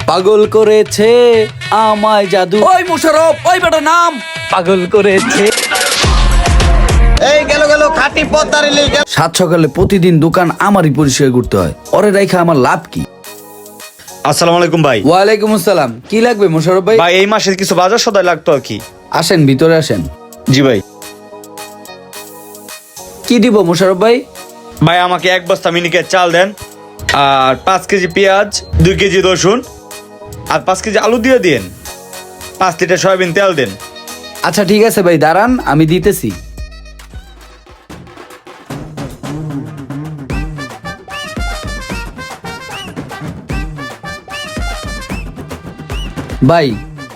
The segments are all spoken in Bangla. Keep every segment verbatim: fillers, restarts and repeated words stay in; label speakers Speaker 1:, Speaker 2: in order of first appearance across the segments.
Speaker 1: পাগল করেছে আমায় জাদু। ওই মোশাররফ, ওই বেটা নাম। পাগল করেছে।
Speaker 2: এই গেল গেল খাঁটি পদ্মার ইলিশ।
Speaker 1: সাত সকালে প্রতিদিন দোকান আমারই পরিষ্কার করতে হয়, ওরে রাইখা আমার লাভ কি?
Speaker 3: আসসালামু আলাইকুম ভাই।
Speaker 1: ওয়ালাইকুম আসসালাম। কি লাগবে মোশাররফ ভাই?
Speaker 3: ভাই এই মাসের কিছু বাজার সদাই লাগতো আর কি।
Speaker 1: আসেন ভিতরে আসেন।
Speaker 3: জি ভাই।
Speaker 1: কি দিব মোশাররফ ভাই?
Speaker 3: ভাই আমাকে এক বস্তা মিনিকেট চাল দেন, আর পাঁচ কেজি পেঁয়াজ, দুই কেজি রসুন, আর পাঁচ কেজি আলু দিয়ে দিন, পাঁচ লিটার সয়াবিন তেল দেন।
Speaker 1: আচ্ছা ঠিক আছে ভাই, দাঁড়ান আমি দিতেছি। ভাই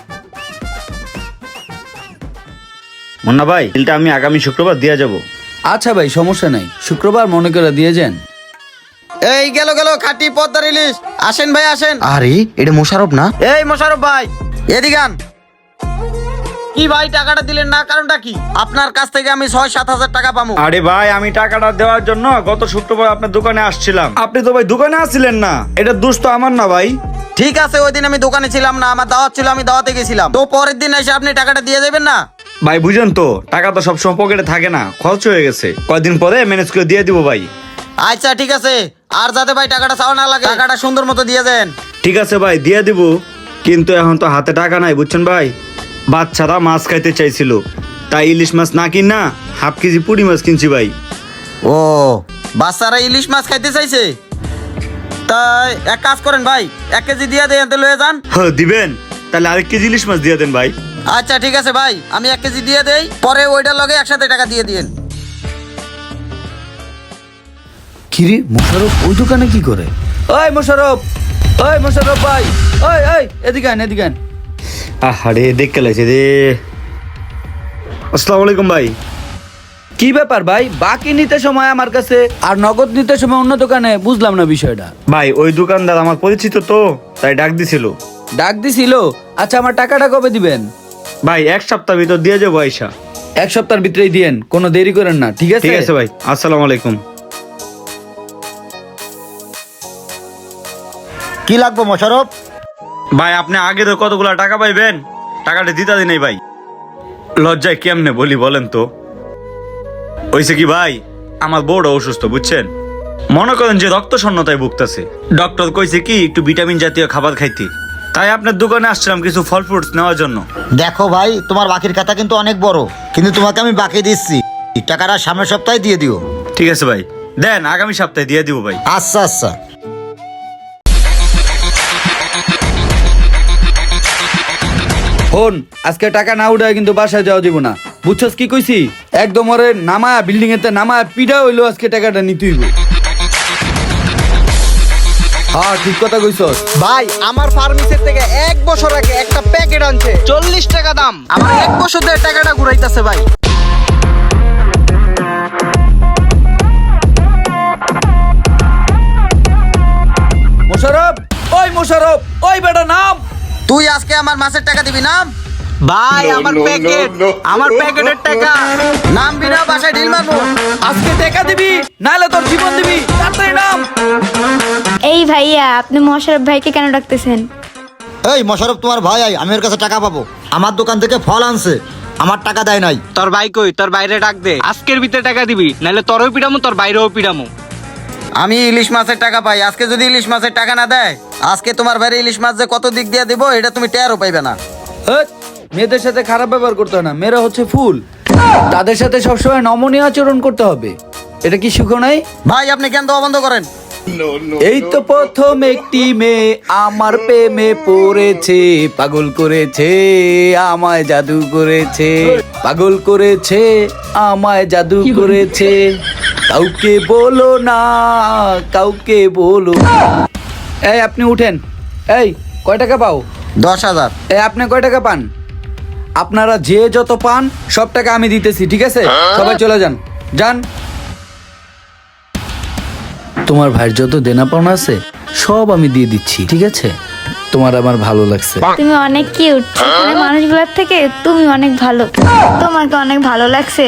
Speaker 3: মুন্না ভাই, বিলটা আমি আগামী শুক্রবার দিয়ে যাব।
Speaker 1: আচ্ছা ভাই, সমস্যা নাই, শুক্রবার মনে করে দিয়ে যান।
Speaker 2: এই গেল গেল খাঁটি পদ্মার ইলিশ। আসেন ভাই আসেন।
Speaker 4: আরে এটা মোশাররফ না?
Speaker 2: এই মোশাররফ ভাই এদিকে আন। কি ভাই টাকাটা দিলেন না, কারণটা কি? আপনার কাছ থেকে আমি ছয় সাত হাজার টাকা পাবো।
Speaker 3: আরে ভাই, আমি টাকাটা দেওয়ার জন্য গত শুক্রবার আপনার দোকানে আসছিলাম। আপনি তো ভাই দোকানে আসছিলেন না, এটা দোষ তো আমার না ভাই।
Speaker 2: ঠিক আছে, ওই দিন আমি দোকানে ছিলাম না, আমার দাওয়াত ছিল, আমি দাওয়াতে গেছিলাম। তো পরের দিন এসে আপনি টাকাটা দিয়ে যাবেন না?
Speaker 3: ভাই বুঝেন তো, টাকা তো সবসময় পকেটে থাকে না, খরচ হয়ে গেছে, কয়দিন পরে ম্যানেজ করে দিয়ে দিব ভাই।
Speaker 2: আচ্ছা ঠিক আছে, আর যাতে ভাই টাকাটা চাওয়া না লাগে, টাকাটা সুন্দর মতো দিয়ে দেন।
Speaker 3: ঠিক আছে ভাই, দিয়ে দিব, কিন্তু এখন তো হাতে টাকা নাই বুঝছেন ভাই। বাচ্চারা মাছ খাইতে চাইছিল, তাই ইলিশ মাছ না কিন না হাফ কেজি পুঁটি মাছ কিনছি ভাই।
Speaker 2: ও, বাচ্চারা ইলিশ মাছ খাইতে চাইছে? তাই এক কাজ করেন ভাই, এক কেজি দিয়ে দেন, এতে লয়ে যান।
Speaker 3: হ্যাঁ দিবেন, তাহলে আরেক কেজি ইলিশ মাছ দিয়ে দেন ভাই।
Speaker 2: আচ্ছা ঠিক আছে ভাই, আমি এক কেজি দিয়ে দেই, পরে ওইটার লগে একসাথে টাকা দিয়ে দিন।
Speaker 1: কিরে মোশাররফ ওই দোকানে কি করে? ওই মোশাররফ, ওই মোশাররফ ভাই, ওই ওই এদিকে আন, এদিকে আন।
Speaker 3: আরে দেখ লাগছে রে। আসসালামু আলাইকুম ভাই।
Speaker 1: কি ব্যাপার ভাই, বাকি নিতে সময় আমার কাছে আর নগদ নিতে সময় অন্য দোকানে? বুঝলাম না বিষয়টা।
Speaker 3: ভাই ওই দোকানদার আমার পরিচিত তো, তাই ডাক দিছিল।
Speaker 1: ডাক দিছিল? আচ্ছা আমার টাকাটা কবে দিবেন?
Speaker 3: ভাই এক সপ্তাহ ভিতর দিয়ে যাবো আইসা।
Speaker 1: এক সপ্তাহের ভিতরেই দিয়েন, কোনো দেরি করেন না, ঠিক আছে?
Speaker 3: ঠিক আছে ভাই, আসসালামু আলাইকুম।
Speaker 4: কি লাগবে মোশাররফ?
Speaker 3: ভাই আপনি আগে তো কতগুলা টাকা পাইবেন, টাকাটা দিতে দিন ভাই। লজ্জায় কেমনে বলি বলেন তো। হইছে কি ভাই, আমার বউটা অসুস্থ বুঝছেন, মনে করেন যে রক্ত শূন্যতায় ভুগতেছে। ডক্টর কইছে কি একটু ভিটামিন জাতীয় খাবার খাইতে, তাই আপনার দোকানে আসছিলাম কিছু ফল ফ্রুটস নেওয়ার জন্য।
Speaker 4: দেখো ভাই, তোমার বাকির খাতা কিন্তু অনেক বড়, কিন্তু তোমাকে আমি বাকি দিচ্ছি, টাকাটা সামনের সপ্তাহে দিয়ে দিও।
Speaker 3: ঠিক আছে ভাই, দেন আগামী সপ্তাহে দিয়ে দিব ভাই।
Speaker 4: আচ্ছা আচ্ছা।
Speaker 1: ফোন, আজকে টাকা না উঠায় কিন্তু বাসায় যাওয়া দিব না, বুঝছস কি কইছি? একদম ওরে নামা বিল্ডিং এতে নামা পিডা হইলো, আজকে টাকাটা নিতেই হইব। হ্যাঁ ঠিক কথা কইছস।
Speaker 5: ভাই আমার ফার্মেসির থেকে এক বছর আগে একটা প্যাকেট আনছে, চল্লিশ টাকা দাম। আমার এক বছর ধরে টাকাটা ঘুরাইতেছে ভাই।
Speaker 1: মোশাররফ, ওই মোশাররফ, ওই বেটা নাম।
Speaker 2: তুই আজকে আমার মাসের টাকা দিবি না?
Speaker 5: ভাই আমার প্যাকেট, আমার প্যাকেটের টাকা।
Speaker 2: নাম বিনা বাসায় ঢিল মারবো।
Speaker 1: আজকে টাকা দিবি, নাহলে তোর জীবন দিবি, তাড়াতাড়ি নাম।
Speaker 6: এই ভাইয়া, আপনি মোশাররফ ভাইকে কেন ডাকতেছেন?
Speaker 4: এই মোশাররফ তোমার ভাই, আই আমি ওর কাছে টাকা পাবো। আমার দোকান থেকে ফল আনছে, আমার টাকা দেয় নাই।
Speaker 5: তোর ভাই কই? তোর বাইরে ডাক দে, আজকের ভিতরে টাকা দিবি, নাহলে তোরও পিডামু, তোর বাইরেও পিডামু।
Speaker 2: আমি ইলিশ মাছের টাকা পাই, আজকে যদি ইলিশ মাছের টাকা না দেয়, আজকে তোমার বাইরে ইলিশ মাছ যে কত দিক দিয়ে দিব এটা তুমি টেরও পাইবে না।
Speaker 1: হেৎ, মেয়েদের সাথে খারাপ ব্যবহার করতে হয় না, মেয়েরা হচ্ছে ফুল, তাদের সাথে সবসময় নমনীয় আচরণ করতে হবে। এটা কি শিখো নাই?
Speaker 2: ভাই আপনি কেন দেওয়া বন্ধ করেন?
Speaker 1: এই তো প্রথম একটি মেয়ে আমার প্রেমে পড়েছে, পাগল করেছে আমায় জাদু করেছে, পাগল করেছে আমায় জাদু করেছে, কাউকে বলো না, কাউকে বলো না। এই আপনি উঠেন। এই কয় টাকা পাও?
Speaker 2: দশ হাজার।
Speaker 1: এই আপনি কয় টাকা পান? আপনারা যে যত পান সব টাকা আমি দিতেছি, ঠিক আছে? সবাই চলে যান, যান। তোমার ভাইয়ের যত দেনা পাওনা আছে সব আমি দিয়ে দিচ্ছি, ঠিক আছে? তোমার আমার ভালো লাগছে।
Speaker 6: তুমি অনেক কিউট, এখানে মানুষগুলোর থেকে তুমি অনেক ভালো, তোমাকে অনেক ভালো লাগছে।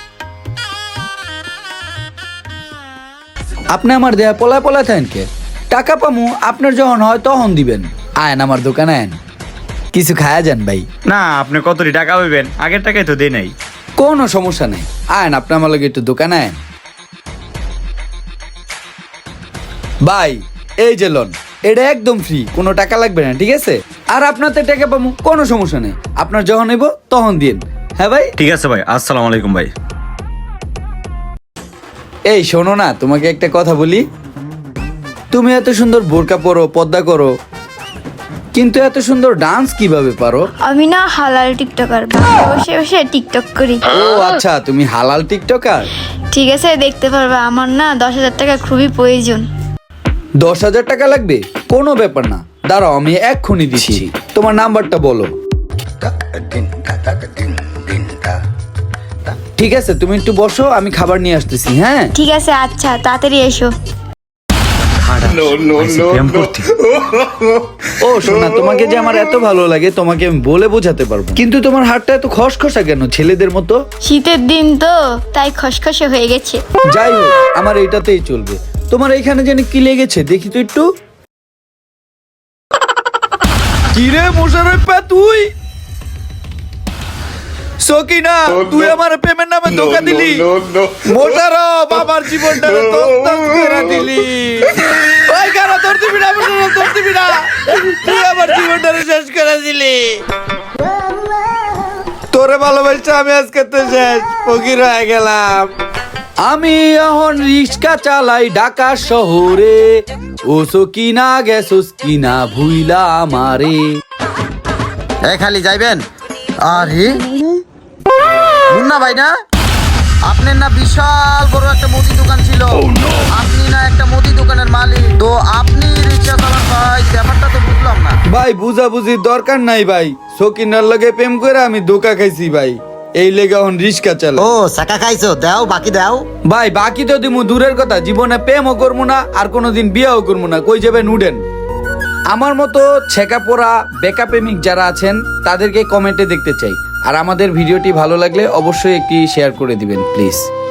Speaker 1: আপনি আমার দেয়া পলায় পলায় থাকেন কে? টাকা পামু আপনার যখন হয় তখন দিবেন। আয়েন আমার দোকানে আয়েন, কিছু খায়া যান ভাই।
Speaker 3: না আপনি কতটি টাকা পাইবেন, আগের টাকাই তো দেই নাই।
Speaker 1: কোনো সমস্যা নেই, আয়েন আপনি আমার লগে একটু দোকানে আয়েন। ভাই এই যে লোন, এটা একদম ফ্রি, কোনো টাকা লাগবে না, ঠিক আছে? আর আপনাতে টাকা পাবো, কোনো সমস্যা নেই, আপনার যখন নেব তখন দিন। হ্যাঁ ভাই,
Speaker 3: ঠিক আছে ভাই, আসসালামু আলাইকুম ভাই।
Speaker 1: এই শোনো না, তোমাকে একটা কথা বলি। তুমি এত সুন্দর বোরকা পরো, পর্দা করো, কিন্তু এত সুন্দর ডান্স কিভাবে পারো?
Speaker 6: আমি না হালাল টিকটকার, বাসায় বসে বসে টিকটক করি।
Speaker 1: ও আচ্ছা, তুমি হালাল টিকটকার।
Speaker 6: ঠিক আছে, দেখতে পারবে। আমার না দশ হাজার টাকা খুবই প্রয়োজন।
Speaker 1: দশ হাজার টাকা লাগবে? কোনো ব্যাপার না, দাঁড়াও আমি এক্ষুনি দিচ্ছি। তোমার নাম্বারটা বলো। ঠিক আছে, তুমি একটু বসো, আমি খাবার নিয়ে আসতেছি। হ্যাঁ
Speaker 6: ঠিক আছে, আচ্ছা তাড়াতাড়ি এসো।
Speaker 3: প্রেম করতে।
Speaker 1: ও শোনা, তোমাকে যে আমার এত ভালো লাগে তোমাকে আমি বলে বোঝাতে পারবো, কিন্তু তোমার হাতটা এত খসখসা কেন, ছেলেদের মতো?
Speaker 6: শীতের দিন তো তাই খসখসে হয়ে গেছে।
Speaker 1: যাই হোক, আমার এইটাতেই চলবে। তোমার এইখানে জানি কি লেগেছে, দেখি তো একটু। কিরে মোশাররফ, তুই সকিনা, তুই আমার প্রেমের নামে ধোঁকা দিলি। মোশাররফ, আমার জীবনটা তছনছ করে দিলি। ওই কারা, তোর দিবি না মোশাররফ, তোর দিবি না, তুই আমার জীবনটা শেষ করে দিলি। তোরে ভালোবাসা আমি আজকে তো শেষ, ফকির হয়ে গেলাম। আমি এখন রিক্সা চালাই ঢাকা শহরে, ও সকিনা গেছস কিনা ভুইলা আমারে।
Speaker 2: এ খালি যাইবেন? আরে মুন্না ভাই না? আপনার না বিশাল বড় একটা মুদি দোকান ছিল, আপনি না একটা মুদি দোকানের মালিক, তো আপনি রিক্সা চালান ভাই, ব্যাপারটা তো বুঝলাম না।
Speaker 1: ভাই বুঝাবুঝির দরকার নাই ভাই, সকিনার লগে প্রেম করে আমি ধোকা খাইছি ভাই, এই লেগে এখন রিক্সা চালাই।
Speaker 4: ও চাকা খাইছো, দাও বাকি দাও।
Speaker 1: ভাই বাকি তো দিমু দূরের কথা, জীবনে প্রেমও করবো না, আর কোনোদিন বিয়েও করবো না, কই যাবেন উঠেন। আমার মতো ছেঁকা পোড়া বেকা প্রেমিক যারা আছেন তাদেরকে কমেন্টে দেখতে চাই। আর আমাদের ভিডিওটি ভালো লাগলে অবশ্যই একটি শেয়ার করে দিবেন প্লিজ।